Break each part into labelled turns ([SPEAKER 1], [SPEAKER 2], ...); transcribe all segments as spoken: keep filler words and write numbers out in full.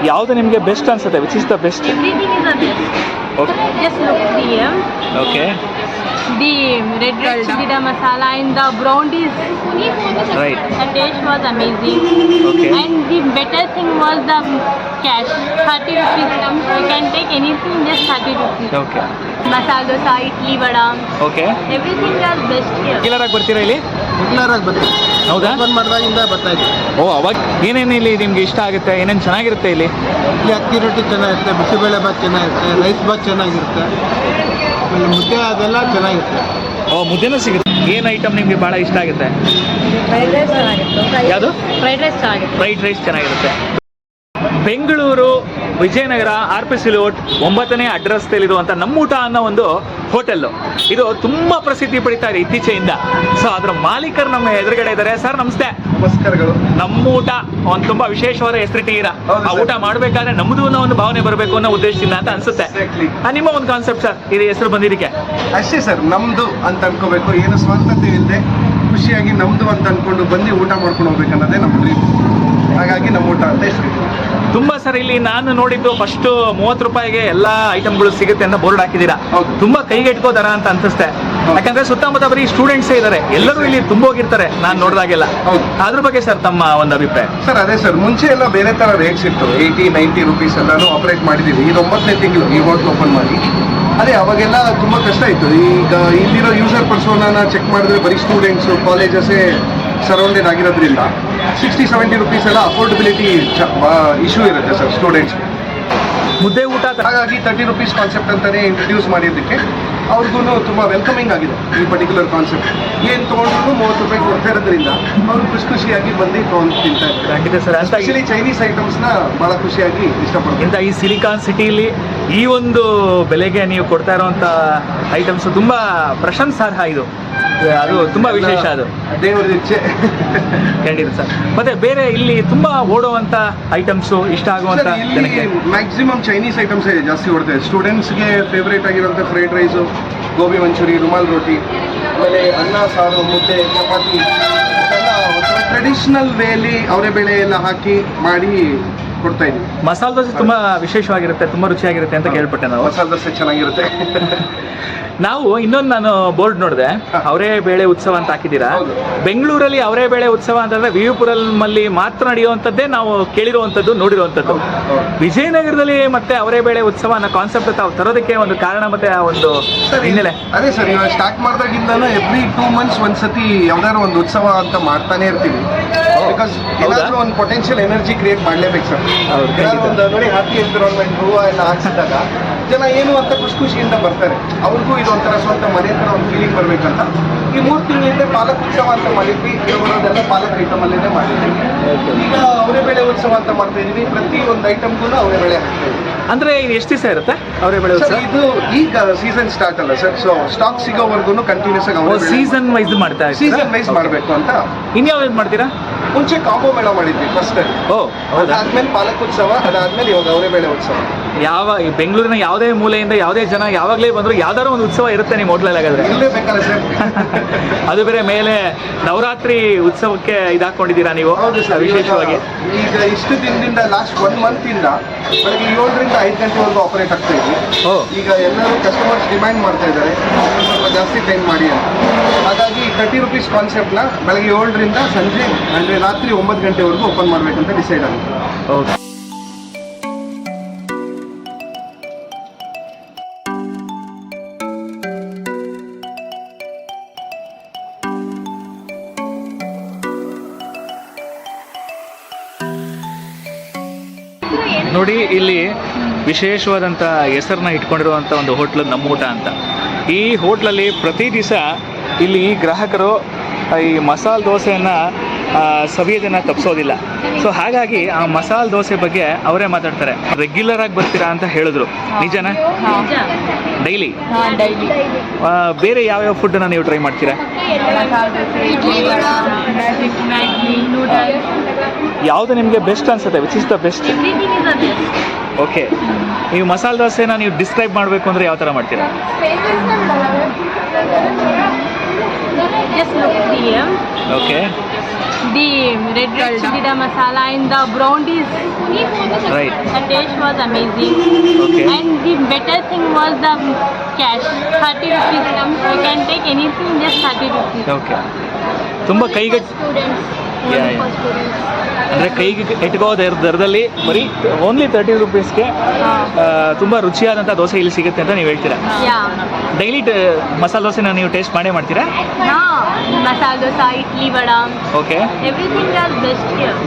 [SPEAKER 1] ಯಾವುದು ನಿಮಗೆ ಬೆಸ್ಟ್ ಅನ್ಸುತ್ತೆ? Which is the best?
[SPEAKER 2] Everything is the best.
[SPEAKER 1] Okay.
[SPEAKER 2] Just look here.
[SPEAKER 1] Okay.
[SPEAKER 2] The red red chili masala and the brownies.
[SPEAKER 1] Right.
[SPEAKER 2] The taste was amazing.
[SPEAKER 1] Okay.
[SPEAKER 2] And the better thing was the cash. thirty rupees. You can take anything, just thirty rupees.
[SPEAKER 1] Okay.
[SPEAKER 2] Masala dosa, idli vada.
[SPEAKER 1] Okay.
[SPEAKER 2] Everything was best here.
[SPEAKER 1] Regular ಆಗಿ ಬರ್ತೀರಾ ಇಲ್ಲಿ?
[SPEAKER 3] Regular ಆಗಿ ಬರ್ತೀವಿ.
[SPEAKER 1] ಹೌದಾ?
[SPEAKER 3] Open ಮಾಡಿದಾಗಿಂದ ಬರ್ತಾ ಇದ್ದೀವಿ.
[SPEAKER 1] ಓ, ಅವಾಗ ಏನೇನು ಇಲ್ಲಿ ನಿಮ್ಗೆ ಇಷ್ಟ ಆಗುತ್ತೆ? ಏನೇನು ಚೆನ್ನಾಗಿರುತ್ತೆ ಇಲ್ಲಿ?
[SPEAKER 3] ಇಲ್ಲಿ ಅಕ್ಕಿ ರೊಟ್ಟಿ ಚೆನ್ನಾಗಿರುತ್ತೆ, ಬಿಸಿಬೇಳೆ ಭಾತ್ ಚೆನ್ನಾಗಿರುತ್ತೆ, ರೈಸ್ ಭಾತ್ ಚೆನ್ನಾಗಿರುತ್ತೆ, ಆಮೇಲೆ ಮುದ್ದೆ ಅದೆಲ್ಲ ಚೆನ್ನಾಗಿರುತ್ತೆ.
[SPEAKER 1] ಓ, ಮುದ್ದೆನೂ ಸಿಗುತ್ತೆ. ಏನು ಐಟಮ್ ನಿಮಗೆ ಭಾಳ ಇಷ್ಟ ಆಗುತ್ತೆ?
[SPEAKER 2] Fried rice ಚೆನ್ನಾಗಿರುತ್ತೆ.
[SPEAKER 1] ಯಾವುದು?
[SPEAKER 2] Fried rice ಚೆನ್ನಾಗಿರುತ್ತೆ.
[SPEAKER 1] ಫ್ರೈಡ್ ರೈಸ್ ಚೆನ್ನಾಗಿರುತ್ತೆ. Bengaluru Vijayanagar R P C layout ಒಂಬತ್ತನೇ ಅಡ್ರೆಸ್ನಲ್ಲಿರುವಂಥ ನಮ್ಮೂಟ ಅನ್ನೋ ಒಂದು ಹೋಟೆಲ್ಲು. ಇದು ತುಂಬ ಪ್ರಸಿದ್ಧಿ ಪಡಿತಾ ಇದೆ ಇತ್ತೀಚೆಯಿಂದ. ಸೊ ಅದರ ಮಾಲೀಕರು ನಮ್ಮ ಎದುರುಗಡೆ ಇದ್ದಾರೆ. ಸರ್ ನಮಸ್ತೆ.
[SPEAKER 3] ನಮಸ್ಕಾರಗಳು.
[SPEAKER 1] ನಮ್ಮೂಟ ಒಂದು ತುಂಬ ವಿಶೇಷವಾದ ಹೆಸರಿಟ್ಟಿದ್ದೀರಾ. ಆ ಊಟ ಮಾಡಬೇಕಾದ್ರೆ ನಮ್ಮದು ಅನ್ನೋ ಒಂದು ಭಾವನೆ ಬರಬೇಕು ಅನ್ನೋ ಉದ್ದೇಶದಿಂದ ಅಂತ ಅನ್ಸುತ್ತೆ. ಆ, ನಿಮ್ಮ ಒಂದು ಕಾನ್ಸೆಪ್ಟ್ ಸರ್, ಇದು ಹೆಸರು ಬಂದಿದ್ದಕ್ಕೆ?
[SPEAKER 4] ಅಷ್ಟೇ ಸರ್, ನಮ್ದು ಅಂತ ಅನ್ಕೋಬೇಕು. ಏನು ಸ್ವಂತತೆ ಇಲ್ಲದೆ ಖುಷಿಯಾಗಿ ನಮ್ದು ಅಂತ ಅನ್ಕೊಂಡು ಬಂದು ಊಟ ಮಾಡ್ಕೊಂಡು ಹೋಗ್ಬೇಕನ್ನೋದೇ ನಮ್ಮ ಡ್ರೀಮ್. ಹಾಗಾಗಿ ನಮ್ಮ ಊಟ ಅಂತ ಹೆಸರು.
[SPEAKER 1] ತುಂಬ ಸರ್, ಇಲ್ಲಿ ನಾನು ನೋಡಿದ್ದು ಫಸ್ಟ್ ಮೂವತ್ತು ರೂಪಾಯಿಗೆ ಎಲ್ಲ ಐಟಮ್ಗಳು ಸಿಗುತ್ತೆ ಅಂತ ಬೋರ್ಡ್ ಹಾಕಿದ್ದೀರಾ.
[SPEAKER 4] ಹೌದು.
[SPEAKER 1] ತುಂಬಾ ಕೈಗೆ ಇಟ್ಕೋ ದರ ಅಂತ ಅನ್ಸುತ್ತೆ. ಯಾಕಂದ್ರೆ ಸುತ್ತಮುತ್ತ ಬರೀ ಸ್ಟೂಡೆಂಟ್ಸೇ ಇದ್ದಾರೆ, ಎಲ್ಲರೂ ಇಲ್ಲಿ ತುಂಬೋಗಿರ್ತಾರೆ ನಾನು ನೋಡಿದಾಗೆಲ್ಲ.
[SPEAKER 4] ಹೌದು.
[SPEAKER 1] ಅದ್ರ ಬಗ್ಗೆ ಸರ್ ತಮ್ಮ ಒಂದು ಅಭಿಪ್ರಾಯ?
[SPEAKER 4] ಸರ್ ಅದೇ ಸರ್, ಮುಂಚೆ ಎಲ್ಲ ಬೇರೆ ತರ ರೇಟ್ಸ್ ಇತ್ತು. ಏಯ್ಟಿ ನೈಂಟಿ ರುಪೀಸ್ ಎಲ್ಲಾನು ಆಪರೇಟ್ ಮಾಡಿದ್ದೀವಿ. ಇದು ಒಂಬತ್ತನೇ ತಿಂಗಳು ಈ ಹೋಟ್ಲ್ ಓಪನ್ ಮಾಡಿ. ಅದೇ ಅವಾಗೆಲ್ಲ ತುಂಬ ಕಷ್ಟ ಇತ್ತು. ಈಗ ಇಲ್ಲಿರೋ ಯೂಸರ್ ಪರ್ಸೋನ ಚೆಕ್ ಮಾಡಿದ್ರೆ ಬರೀ ಸ್ಟೂಡೆಂಟ್ಸು, ಕಾಲೇಜಸ್ಸೇ ಸರೌಂಡೆಡ್ ಆಗಿರೋದ್ರಿಂದ ಸಿಕ್ಸ್ಟಿ ಸೆವೆಂಟಿ ರುಪೀಸ್ ಎಲ್ಲ ಅಫೋರ್ಡಬಿಲಿಟಿ ಇಶ್ಯೂ ಇರುತ್ತೆ ಸರ್ ಸ್ಟೂಡೆಂಟ್ಸ್.
[SPEAKER 1] ಮುದ್ದೆ ಊಟ ತ-
[SPEAKER 4] ಹಾಗಾಗಿ ತರ್ಟಿ ರುಪೀಸ್ ಕಾನ್ಸೆಪ್ಟ್ ಅಂತಲೇ ಇಂಟ್ರಡ್ಯೂಸ್ ಮಾಡಿದ್ದಕ್ಕೆ ಅವ್ರಿಗೂ ತುಂಬ ವೆಲ್ಕಮಿಂಗ್ ಆಗಿದೆ ಈ ಪರ್ಟಿಕ್ಯುಲರ್ ಕಾನ್ಸೆಪ್ಟ್. ಏನು ತೊಗೊಂಡ್ರು ಮೂವತ್ತು ರೂಪಾಯಿ ಕೊಡ್ತಾ ಇರೋದ್ರಿಂದ ಅವರು ಖುಷಿ ಖುಷಿಯಾಗಿ ಬಂದು ತೊಗೊಂಡು ತಿಂತಾ ಇದ್ದಾರೆ.
[SPEAKER 1] ಖಂಡಿತ ಸರ್. ಅಂತ
[SPEAKER 4] ಆಕ್ಚುಲಿ ಚೈನೀಸ್ ಐಟಮ್ಸ್ನ ಭಾಳ ಖುಷಿಯಾಗಿ ಇಷ್ಟಪಡ್ತಾರೆ.
[SPEAKER 1] ಇಂಥ ಈ ಸಿಲಿಕಾನ್ ಸಿಟಿಲಿ ಈ ಒಂದು ಬೆಲೆಗೆ ನೀವು ಕೊಡ್ತಾ ಇರುವಂಥ ಐಟಮ್ಸ್ ತುಂಬ ಪ್ರಶಂಸಾರ್ಹ. ಇದು ಅದು ತುಂಬ ವಿಶೇಷ. ಅದು
[SPEAKER 4] ದೇವರ ಇಚ್ಛೆ.
[SPEAKER 1] ಖಂಡಿತ ಸರ್. ಮತ್ತೆ ಬೇರೆ ಇಲ್ಲಿ ತುಂಬಾ ಓಡುವಂತ ಐಟಮ್ಸು, ಇಷ್ಟ ಆಗುವಂತ
[SPEAKER 4] ಸರ್, ಇಲ್ಲಿ
[SPEAKER 1] ಜನಕ್ಕೆ
[SPEAKER 4] ಮ್ಯಾಕ್ಸಿಮಮ್ ಚೈನೀಸ್ ಐಟಮ್ಸ್ ಜಾಸ್ತಿ ಓಡ್ತದೆ. ಸ್ಟೂಡೆಂಟ್ಸ್ಗೆ ಫೇವ್ರೇಟ್ ಆಗಿರೋಂಥ ಫ್ರೈಡ್ ರೈಸು, ಗೋಬಿ ಮಂಚೂರಿ, ರುಮಾಲ್ ರೋಟಿ, ಆಮೇಲೆ ಅನ್ನ ಸಾರು, ಮುದ್ದೆ, ಚಪಾತಿ ಎಲ್ಲ ಒಂಥರ ಟ್ರೆಡಿಷ್ನಲ್ ವೇಲಿ ಅವರೇ ಬೇಳೆ ಎಲ್ಲ ಹಾಕಿ ಮಾಡಿ ಕೊಡ್ತಾ ಇದ್ದೀವಿ.
[SPEAKER 1] ಮಸಾಲೆ ದೋಸೆ ತುಂಬಾ ವಿಶೇಷವಾಗಿರುತ್ತೆ, ತುಂಬಾ ರುಚಿಯಾಗಿರುತ್ತೆ ಅಂತ ಕೇಳ್ಪಟ್ಟೆ ನಾವು.
[SPEAKER 4] ಮಸಾಲೆ ದೋಸೆ ಚೆನ್ನಾಗಿರುತ್ತೆ.
[SPEAKER 1] ನಾವು ಇನ್ನೊಂದು ನಾನು ಬೋರ್ಡ್ ನೋಡಿದೆ, ಅವರೇ ಬೇಳೆ ಉತ್ಸವ ಅಂತ ಹಾಕಿದ್ದೀರಾ.
[SPEAKER 4] ಹೌದು.
[SPEAKER 1] ಬೆಂಗಳೂರಲ್ಲಿ ಅವರೇ ಬೇಳೆ ಉತ್ಸವ ಅಂತಂದ್ರೆ ವಿ ಪುರಲ್ಲಿ ಮಾತ್ರ ನಡೆಯುವಂಥದ್ದೇ ನಾವು ಕೇಳಿರುವಂಥದ್ದು, ನೋಡಿರುವಂಥದ್ದು. ವಿಜಯನಗರದಲ್ಲಿ ಮತ್ತೆ ಅವರೇ ಬೇಳೆ ಉತ್ಸವ ಅನ್ನೋ ಕಾನ್ಸೆಪ್ಟ್ ತಾವು ತರೋದಕ್ಕೆ ಒಂದು ಕಾರಣ ಮತ್ತೆ ಆ ಒಂದು ಹಿನ್ನೆಲೆ?
[SPEAKER 4] ಅದೇ ಸರ್, ಇವಾಗ ಸ್ಟಾರ್ಟ್ ಮಾಡಿದಾಗಿಂದನೂ ಎವ್ರಿ ಟೂ ಮಂತ್ಸ್ ಒಂದ್ಸತಿ ಯಾವ್ದಾದ್ರು ಒಂದು ಉತ್ಸವ ಅಂತ ಮಾಡ್ತಾನೆ ಇರ್ತೀವಿ. ಬಿಕಾಸ್ ಏನಾದರೂ ಒಂದು ಪೊಟೆನ್ಷಿಯಲ್ ಎನರ್ಜಿ ಕ್ರಿಯೇಟ್ ಮಾಡಲೇಬೇಕು ಸರ್.
[SPEAKER 1] ಹೌದು,
[SPEAKER 4] ಏನಾದ್ರು ಒಂದು ನೋಡಿ ಹ್ಯಾಪಿ ಎನ್ವಿರಾನ್ಮೆಂಟ್ ಹೂವು ಎಲ್ಲ ಹಾಕ್ಸಿದಾಗ ಜನ ಏನು ಅಂತ ಖುಷಿ ಖುಷಿಯಿಂದ ಬರ್ತಾರೆ. ಅವ್ರಿಗೂ ಇದು ಒಂಥರ ಸ್ವಂತ ಮನೆ ಥರ ಒಂದು ಫೀಲಿಂಗ್ ಬರಬೇಕಂತ ಈ ಮೂರು ತಿಂಗಳಿಂದ ಪಾಲಕ್ ಉತ್ಸವ ಅಂತ ಮಾಡಿದ್ವಿ. ಇರೋದೆಲ್ಲ ಪಾಲಕ್ ಐಟಮ್ ಅಲ್ಲೇ ಮಾಡಿದ್ವಿ. ಈಗ ಅವರೇ ಬೇಳೆ ಉತ್ಸವ ಅಂತ ಮಾಡ್ತಾ ಇದೀವಿ. ಪ್ರತಿ ಒಂದು ಐಟಮ್ಗೂ ಅವರೇ ಬೇಳೆ ಹಾಕ್ತಾ ಇದೀವಿ.
[SPEAKER 1] ಅಂದ್ರೆ ಇದು ಎಷ್ಟು ದಿವಸ ಇರುತ್ತೆ ಅವರೇ ಬೇಳೆ ಉತ್ಸವ?
[SPEAKER 4] ಸರ್, ಇದು ಈಗ ಸೀಸನ್ ಸ್ಟಾರ್ಟ್ ಅಲ್ಲ ಸರ್. ಸೊ ಸ್ಟಾಕ್ ಸಿಗೋವರೆಗೂ ಕಂಟಿನ್ಯೂಸ್ ಆಗಿ ಅವರೇ
[SPEAKER 1] ಸೀಸನ್ ವೈಸ್ ಮಾಡ್ತಾ
[SPEAKER 4] ಸೀಸನ್ ವೈಸ್ ಮಾಡಬೇಕು ಅಂತ.
[SPEAKER 1] ಇನ್ಯಾವ್ದು ಮಾಡ್ತೀರಾ?
[SPEAKER 4] ಮುಂಚೆ ಕಾಂಬೋ ಮೇಳ ಮಾಡಿದ್ವಿ ಫಸ್ಟ್.
[SPEAKER 1] ಓ ಹೌದಾ?
[SPEAKER 4] ಅದಾದ್ಮೇಲೆ ಪಾಲಕ್ ಉತ್ಸವ, ಅದಾದ್ಮೇಲೆ ಇವಾಗ ಅವರೇ ಬೇಳೆ ಉತ್ಸವ.
[SPEAKER 1] ಯಾವ ಈ ಬೆಂಗಳೂರಿನ ಯಾವುದೇ ಮೂಲೆಯಿಂದ ಯಾವುದೇ ಜನ ಯಾವಾಗಲೇ ಬಂದ್ರು ಯಾವ್ದಾದ್ರು ಒಂದು ಉತ್ಸವ ಇರುತ್ತೆ ನಿಮ್ಮ ಹೋಟ್ಲಲ್ಲಿ ಹಾಗಾದ್ರೆ?
[SPEAKER 4] ಇರಲೇಬೇಕಲ್ಲ ಸರ್.
[SPEAKER 1] ಅದು ಬೇರೆ ಮೇಲೆ ನವರಾತ್ರಿ ಉತ್ಸವಕ್ಕೆ ಇದಾಕೊಂಡಿದ್ದೀರಾ ನೀವು?
[SPEAKER 4] ಹೌದು ಸರ್.
[SPEAKER 1] ವಿಶೇಷವಾಗಿ
[SPEAKER 4] ಈಗ ಇಷ್ಟು ದಿನದಿಂದ ಲಾಸ್ಟ್ ಒನ್ ಮಂತ್ ಇಂದ ಬೆಳಗ್ಗೆ ಏಳರಿಂದ ಐದು ಗಂಟೆವರೆಗೂ ಆಪರೇಟ್ ಆಗ್ತಾ ಇದ್ವಿ.
[SPEAKER 1] ಓ.
[SPEAKER 4] ಈಗ ಎಲ್ಲರೂ ಕಸ್ಟಮರ್ಸ್ ಡಿಮ್ಯಾಂಡ್ ಮಾಡ್ತಾ ಇದ್ದಾರೆ ಸ್ವಲ್ಪ ಜಾಸ್ತಿ ಟೈಮ್ ಮಾಡಿ ಅಂತ. ಹಾಗಾಗಿ ತರ್ಟಿ ರುಪೀಸ್ ಕಾನ್ಸೆಪ್ಟ್ನ ಬೆಳಗ್ಗೆ ಏಳರಿಂದ ಸಂಜೆ ಅಂದರೆ ರಾತ್ರಿ ಒಂಬತ್ತು ಗಂಟೆವರೆಗೂ ಓಪನ್ ಮಾಡಬೇಕಂತ ಡಿಸೈಡ್ ಆಗಿದೆ.
[SPEAKER 1] ಓಕೆ. ನೋಡಿ, ಇಲ್ಲಿ ವಿಶೇಷವಾದಂಥ ಹೆಸರನ್ನ ಇಟ್ಕೊಂಡಿರುವಂಥ ಒಂದು ಹೋಟ್ಲು ನಮ್ಮೂಟ ಅಂತ. ಈ ಹೋಟ್ಲಲ್ಲಿ ಪ್ರತಿ ದಿವಸ ಇಲ್ಲಿ ಗ್ರಾಹಕರು ಈ ಮಸಾಲೆ ದೋಸೆಯನ್ನು ಸವಿಯೋದನ್ನು ತಪ್ಪಿಸೋದಿಲ್ಲ. ಸೊ ಹಾಗಾಗಿ ಆ ಮಸಾಲೆ ದೋಸೆ ಬಗ್ಗೆ ಅವರೇ ಮಾತಾಡ್ತಾರೆ. ರೆಗ್ಯುಲರ್ ಆಗಿ ಬರ್ತೀರಾ ಅಂತ ಹೇಳಿದ್ರು, ನಿಜನಾ? ಡೈಲಿ
[SPEAKER 2] ಡೈಲಿ
[SPEAKER 1] ಬೇರೆ ಯಾವ್ಯಾವ ಫುಡ್ಡನ್ನು ನೀವು ಟ್ರೈ ಮಾಡ್ತೀರಾ? ಯಾವುದು ನಿಮಗೆ ಬೆಸ್ಟ್ ಅನ್ಸುತ್ತೆ? Which is the best?
[SPEAKER 2] Everything is the best.
[SPEAKER 1] Okay. ನೀವು ಮಸಾಲೆ ದೋಸೆನ ನೀವು ಡಿಸ್ಕ್ರೈಬ್ ಮಾಡಬೇಕು ಅಂದರೆ ಯಾವ ಥರ ಮಾಡ್ತೀರಾ?
[SPEAKER 2] Just look here.
[SPEAKER 1] Okay.
[SPEAKER 2] the red red chili masala and the brownies.
[SPEAKER 1] Right.
[SPEAKER 2] The taste was amazing.
[SPEAKER 1] Okay.
[SPEAKER 2] And the better thing was the cash. thirty rupees. You can take anything, just thirty rupees.
[SPEAKER 1] Okay ತುಂಬ ಕೈಗೆ
[SPEAKER 2] Students.
[SPEAKER 1] Yeah,
[SPEAKER 2] Only
[SPEAKER 1] yeah.
[SPEAKER 2] for students.
[SPEAKER 1] ಅಂದರೆ ಕೈಗೆ ಇಟ್ಕೋ ದರ ದರದಲ್ಲಿ ಬರೀ only thirty ರುಪೀಸ್ಗೆ ತುಂಬ ರುಚಿಯಾದಂಥ ದೋಸೆ ಇಲ್ಲಿ ಸಿಗುತ್ತೆ ಅಂತ ನೀವು ಹೇಳ್ತೀರಾ.
[SPEAKER 2] Yeah.
[SPEAKER 1] ಡೈಲಿ ಮಸಾಲೆ ದೋಸೆನ ನೀವು ಟೇಸ್ಟ್ ಮಾಡೇ ಮಾಡ್ತೀರಾ?
[SPEAKER 2] Now, masala dosa, idli vada,
[SPEAKER 1] okay.
[SPEAKER 2] everything is best here.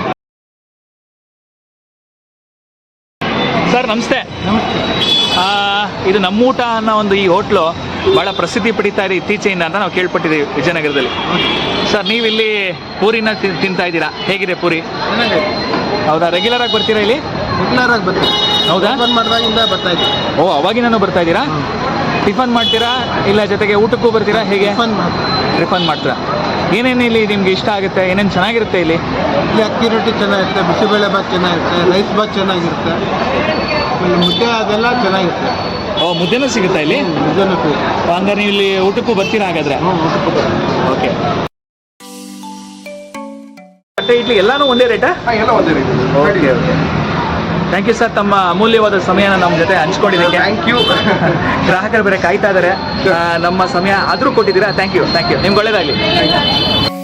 [SPEAKER 1] Sir ನಮಸ್ತೆ.
[SPEAKER 3] ನಮಸ್ತೆ.
[SPEAKER 1] ಆ, ಇದು ನಮ್ಮೂಟ ಅನ್ನೋ ಒಂದು ಈ ಹೋಟ್ಲು ಭಾಳ ಪ್ರಸಿದ್ಧಿ ಪಡಿತಾ ಇದೆ ಇತ್ತೀಚೆಯಿಂದ ಅಂತ ನಾವು ಕೇಳ್ಪಟ್ಟಿದ್ದೀವಿ ವಿಜಯನಗರದಲ್ಲಿ. ಸರ್ ನೀವು ಇಲ್ಲಿ ಪೂರಿನ ತಿನ್- ತಿಂತಾ ಇದ್ದೀರಾ, ಹೇಗಿದೆ ಪೂರಿ?
[SPEAKER 3] ಚೆನ್ನಾಗಿದೆ.
[SPEAKER 1] ಹೌದಾ, ರೆಗ್ಯುಲರ್ ಆಗಿ ಬರ್ತೀರಾ ಇಲ್ಲಿ?
[SPEAKER 3] ರೆಗ್ಯುಲರ್ ಆಗಿ ಬರ್ತೀವಿ.
[SPEAKER 1] ಹೌದಾ?
[SPEAKER 3] ಓಪನ್ ಮಾಡಿದಾಗಿಂದ ಬರ್ತಾ ಇದ್ದೀವಿ.
[SPEAKER 1] ಓ ಅವಾಗಿನೂ ಬರ್ತಾ ಇದ್ದೀರಾ? ಟಿಫನ್ ಮಾಡ್ತೀರಾ ಇಲ್ಲ ಜೊತೆಗೆ ಊಟಕ್ಕೂ ಬರ್ತೀರಾ, ಹೇಗೆ?
[SPEAKER 3] ಟಿಫನ್ ಮಾಡ್ತೀವಿ.
[SPEAKER 1] ಟಿಫನ್ ಮಾಡ್ತೀರಾ? ಏನೇನು ಇಲ್ಲಿ ನಿಮ್ಗೆ ಇಷ್ಟ ಆಗುತ್ತೆ, ಏನೇನು ಚೆನ್ನಾಗಿರುತ್ತೆ ಇಲ್ಲಿ?
[SPEAKER 3] ಇಲ್ಲಿ ಅಕ್ಕಿ ರೊಟ್ಟಿ ಚೆನ್ನಾಗಿರುತ್ತೆ, ಬಿಸಿಬೇಳೆ ಭಾತ್ ಚೆನ್ನಾಗಿರುತ್ತೆ, ರೈಸ್ ಭಾತ್ ಚೆನ್ನಾಗಿರುತ್ತೆ, ಆಮೇಲೆ ಮುದ್ದೆ ಅದೆಲ್ಲ ಚೆನ್ನಾಗಿರುತ್ತೆ.
[SPEAKER 1] ಓ ಮುದ್ದೆನೂ ಸಿಗುತ್ತಾ ಇಲ್ಲಿ?
[SPEAKER 3] ಮುದ್ದೆನೂ ಸಿಗುತ್ತೆ.
[SPEAKER 1] ಹಂಗಾರೆ ನೀವು ಇಲ್ಲಿ ಊಟಕ್ಕೂ ಬರ್ತೀರಾ ಹಾಗಾದ್ರೆ?
[SPEAKER 3] ಹ್ಞೂ ಊಟಕ್ಕೂ ಬರ್ತೀವಿ.
[SPEAKER 1] ಓಕೆ. ಮತ್ತೆ ಇಡ್ಲಿ ಎಲ್ಲಾನು ಒಂದೇ ರೇಟಾ?
[SPEAKER 4] ಹಾಂ ಎಲ್ಲ ಒಂದೇ ರೀತಿ.
[SPEAKER 1] Okay okay. Thank you sir, ತಮ್ಮ ಅಮೂಲ್ಯವಾದ ಸಮಯನ ನಮ್ಮ ಜೊತೆ ಹಂಚ್ಕೊಂಡಿದ್ದಕ್ಕೆ.
[SPEAKER 4] Thank you.
[SPEAKER 1] ಗ್ರಾಹಕರು ಬೇರೆ ಕಾಯ್ತಾ ಇದ್ದಾರೆ, ನಮ್ಮ ಸಮಯ ಆದರೂ ಕೊಟ್ಟಿದ್ದೀರಾ. ಥ್ಯಾಂಕ್ ಯು ಥ್ಯಾಂಕ್ ಯು ನಿಮ್ಗೆ ಒಳ್ಳೇದಾಗಲಿ.